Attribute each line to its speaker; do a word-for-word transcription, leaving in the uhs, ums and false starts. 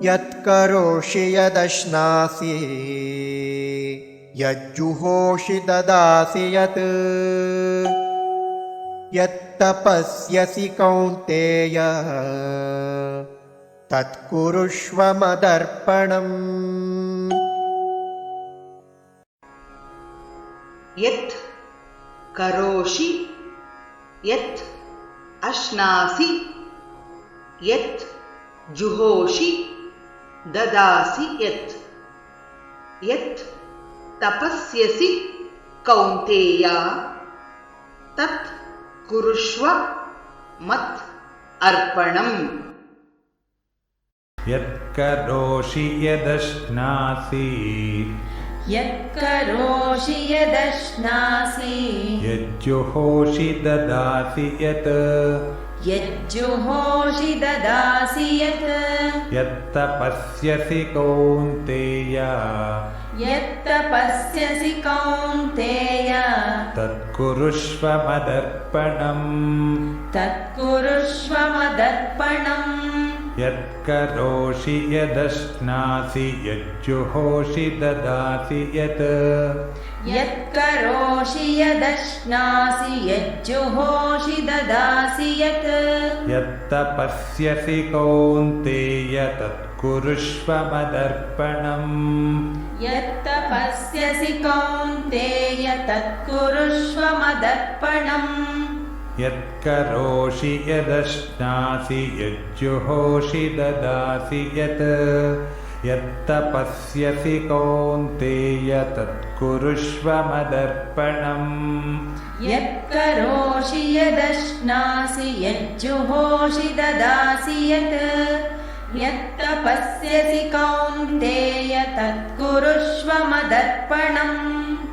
Speaker 1: यत्करोषि यदश्नासि यज्जुहोषि ददासि यत् यत्तपस्यसि कौन्तेय तत्कुरुष्व मदर्पणम्।
Speaker 2: यत् करोषि यत् अश्नासि यत् जुहोषि ददासि यत् यत् तपस्यसि कौन्तेय तत् कुरुष्व मत् अर्पणम्।
Speaker 3: यत्करोषि यदश्नासि
Speaker 4: यत्करोषि यदश्नासि
Speaker 3: यज्जुहोषि ददासि यत्
Speaker 4: यज्जुहोषि ददासि यत्
Speaker 3: यत्तपस्यसि कौन्तेय
Speaker 4: यत्तपस्यसि कौन्तेय
Speaker 3: तत्कुरुष्व मदर्पणम्।
Speaker 4: तत्कुरुष्व मदर्पणम्।
Speaker 3: यत्करोषि यदश्नासि यज्जुहोषि ददासि यत्
Speaker 4: यत्करोषि यदश्नासि यज्जुहोषि ददासि यत्
Speaker 3: यत्तपस्यसि कौन्तेय तत्कुरुष्व मदर्पणम्।
Speaker 4: यत्तपस्यसि कौन्तेय तत्कुरुष्व मदर्पणम्।
Speaker 3: यत्करोषि यदश्नासि यज्जुहोषि ददासि यत् यत्तपस्यसि कौन्तेय तत्कुरुष्व मदर्पणम्।
Speaker 4: यत्करोषि यदश्नासि यज्जुहोषि ददासि यत् यत्तपस्यसि कौन्तेय तत्कुरुष्व मदर्पणम्।